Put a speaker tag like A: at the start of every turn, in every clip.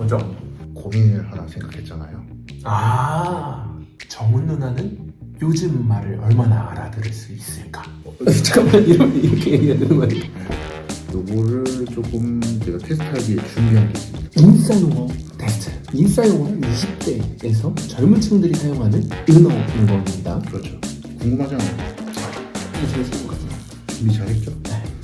A: 뭐죠?
B: 고민을 하나 생각했잖아요.
A: 정훈 누나는 요즘 말을 얼마나 알아들을 수 있을까?
C: 잠깐만 이렇게 얘기해야 되는 거 아니야?
B: 요거를 조금 제가 테스트하기에 준비한 게 있습니다.
C: 인싸용어 테스트. 인싸용어는 20대에서 젊은 층들이 사용하는 은어인 겁니다.
B: 그렇죠. 궁금하잖아요.
C: 이게 재밌을 것 같아요.
B: 준비 잘했죠?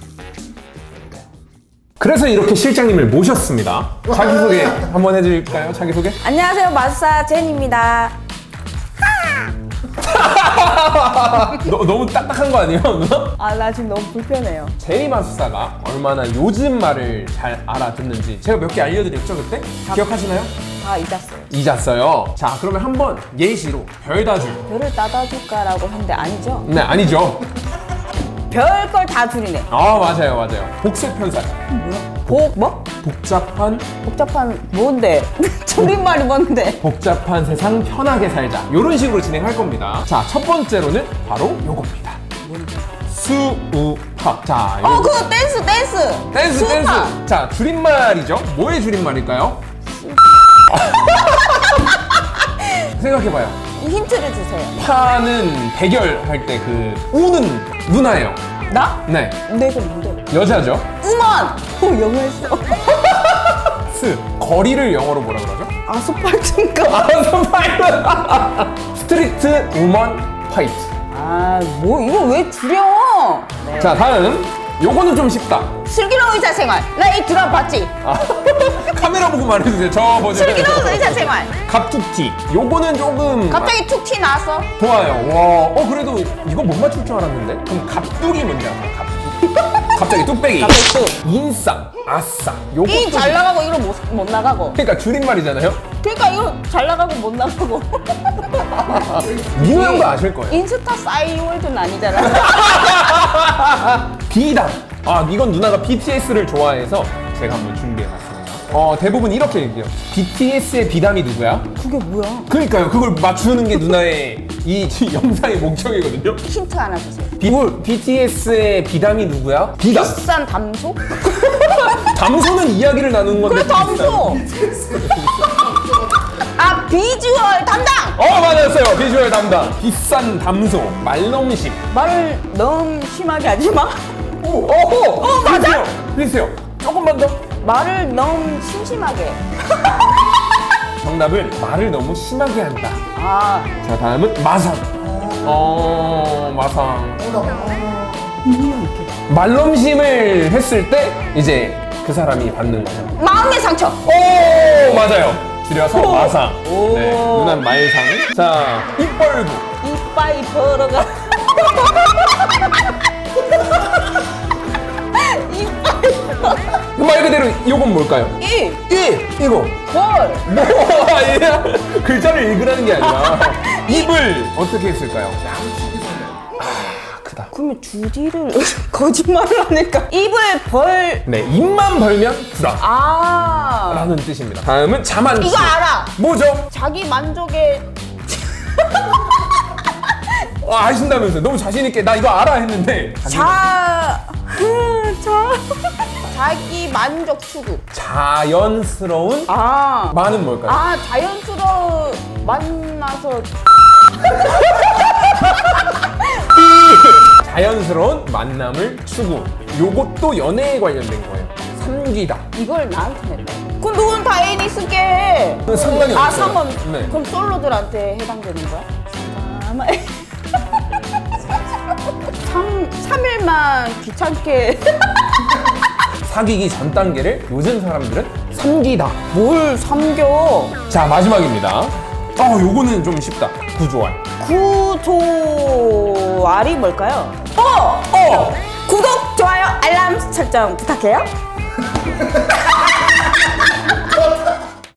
A: 그래서 이렇게 실장님을 모셨습니다. 자기소개 한번 해드릴까요? 자기소개?
D: 안녕하세요, 마술사 제니입니다.
A: 너무 딱딱한 거 아니에요, 누나?
D: 아, 나 지금 너무 불편해요.
A: 제니 마술사가 얼마나 요즘 말을 잘 알아듣는지 제가 몇 개 알려드렸죠, 그때? 기억하시나요?
D: 다 잊었어요.
A: 잊었어요. 자, 그러면 한번 예시로 별다줄.
D: 별을 따다줄까라고 했는데 아니죠?
A: 네, 아니죠.
D: 별 걸 다 줄이네.
A: 맞아요. 복세편살.
D: 뭐?
A: 복잡한
D: 뭔데? 줄임말이 뭔데?
A: 복잡한 세상 편하게 살자. 이런 식으로 진행할 겁니다. 자, 첫 번째로는 바로 요겁니다. 수우파. 자,
D: 그거 댄스. 수우파.
A: 자, 줄임말이죠. 뭐의 줄임말일까요? 생각해봐요.
D: 힌트를 주세요.
A: 파는 대결할 때 그 우는 누나예요.
D: 나?
A: 네,
D: 내가 뭔데?
A: 여자죠.
D: 우먼! 영어 했어.
A: 스, 거리를 영어로 뭐라 그러죠?
D: 아스팔트인가?
A: 스트리트 우먼 파이트.
D: 이거 왜 줄여? 네.
A: 자, 다음. 요거는 좀 쉽다.
D: 슬기로운 의사 생활. 나 이 드라마 봤지?
A: 카메라 보고 말해주세요. 저 버전.
D: 슬기로운 의사 생활.
A: 갑툭튀. 요거는 조금
D: 갑자기 툭 티 나왔어.
A: 좋아요. 와, 그래도 이거 못 맞출 줄 알았는데? 그럼 갑뚝이 뭔지 알아요? 갑뚝. 갑자기 뚝배기.
D: 갑자기 뚝.
A: 인싸, 아싸. 요거
D: 이 잘 나가고 이거 못 나가고.
A: 그러니까 줄임말이잖아요.
D: 그러니까 이거 잘 나가고 못 나가고.
A: 민호 형도 아실 거예요.
D: 인스타 싸이월드는 아니잖아.
A: 비담. 이건 누나가 BTS를 좋아해서 제가 한번 준비해봤습니다. 대부분 이렇게 얘기해요. BTS의 비담이 누구야?
D: 그게 뭐야?
A: 그러니까요. 그걸 맞추는 게 누나의 이 영상의 목적이거든요.
D: 힌트 하나 주세요.
A: BTS의 비담이 누구야? 비담.
D: 비싼 담소?
A: 담소는 이야기를 나누는 건데.
D: 그래 담소. 비주얼 담당.
A: 맞았어요. 비주얼 담당. 비싼 담소. 말넘심.
D: 말을 너무 심하게 하지 마.
A: 맞아. 비슷해요. 조금만 더.
D: 말을 너무 심심하게.
A: 정답은 말을 너무 심하게 한다. 자, 다음은 마상. 마상. 말넘심을 했을 때 이제 그 사람이 받는 거죠.
D: 마음의 상처.
A: 맞아요. 줄여서 마상. 네, 누난 말상. 자, 입벌구.
D: 이빨 벌어가.
A: 말 그대로 이건 뭘까요? 이거.
D: 벌.
A: 아니야. 글자를 읽으라는 게 아니라 입을 어떻게 했을까요? 크다.
D: 그러면 주디를 거짓말을 하니까 입을 벌.
A: 네, 입만 벌면 구라 라는
D: 아.
A: 뜻입니다. 다음은 자만추.
D: 이거 알아.
A: 뭐죠?
D: 자기 만족에
A: 아신다면서요? 너무 자신있게 나 이거 알아 했는데
D: 자기 만족 추구.
A: 자연스러운
D: 아.
A: 만은 뭘까요?
D: 자연스러워 만나서
A: 자연스러운 만남을 추구. 요것도 연애에 관련된 거예요. 삼기다.
D: 이걸 나한테 냈다. 그럼 누군 다 애인 있을게.
A: 상관이 없어요.
D: 상관.
A: 네.
D: 그럼 솔로들한테 해당되는 거야? 3일만 귀찮게.
A: 사귀기 전 단계를 요즘 사람들은 삼기다.
D: 뭘 삼겨?
A: 자, 마지막입니다. 요거는 좀 쉽다. 구조알.
D: 구조알이 뭘까요? 구독, 좋아요, 알람 설정 부탁해요.